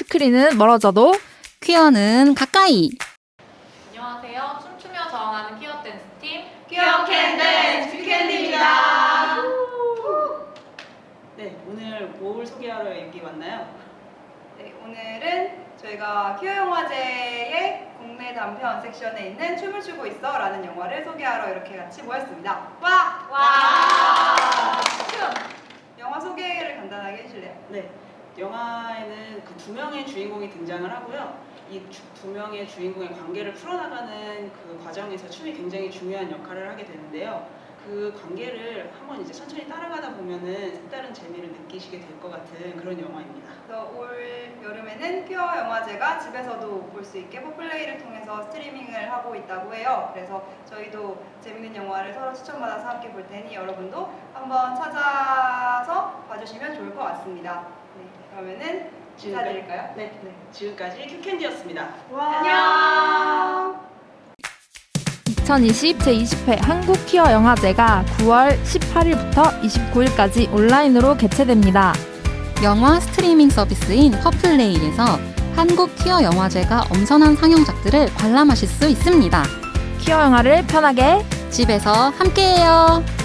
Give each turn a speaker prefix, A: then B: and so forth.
A: 스크린은 멀어져도
B: 퀴어는 가까이.
C: 안녕하세요. 춤추며 저항하는 퀴어 댄스 팀
D: 퀴어 캔 댄스 큐캔디입니다.
E: 네, 오늘 뭘 소개하러 여기 왔나요?
D: 네, 오늘은 저희가 퀴어 영화제의 국내 단편 섹션에 있는 춤을 추고 있어 라는 영화를 소개하러 이렇게 같이 모였습니다. 와!
C: 와!
D: 영화 소개를 간단하게 해주실래요?
E: 네, 영화에는 그 두 명의 주인공이 등장을 하고요. 이 두 명의 주인공의 관계를 풀어나가는 그 과정에서 춤이 굉장히 중요한 역할을 하게 되는데요. 그 관계를 한번 이제 천천히 따라가다 보면은 색다른 재미를 느끼시게 될 것 같은 그런 영화입니다.
D: 그래서 올 여름에는 퀴어 영화제가 집에서도 볼 수 있게 포플레이를 통해서 스트리밍을 하고 있다고 해요. 그래서 저희도 재밌는 영화를 서로 추천받아서 함께 볼 테니 여러분도 한번 찾아서 봐주시면 좋을 것 같습니다. 네, 그러면은 인사드릴까요?
E: 네, 지금까지 큐캔디였습니다.
D: 안녕!
A: 2020 제20회 한국 퀴어 영화제가 9월 18일부터 29일까지 온라인으로 개최됩니다.
B: 영화 스트리밍 서비스인 퍼플레이에서 한국 퀴어 영화제가 엄선한 상영작들을 관람하실 수 있습니다.
A: 퀴어 영화를 편하게
B: 집에서 함께해요.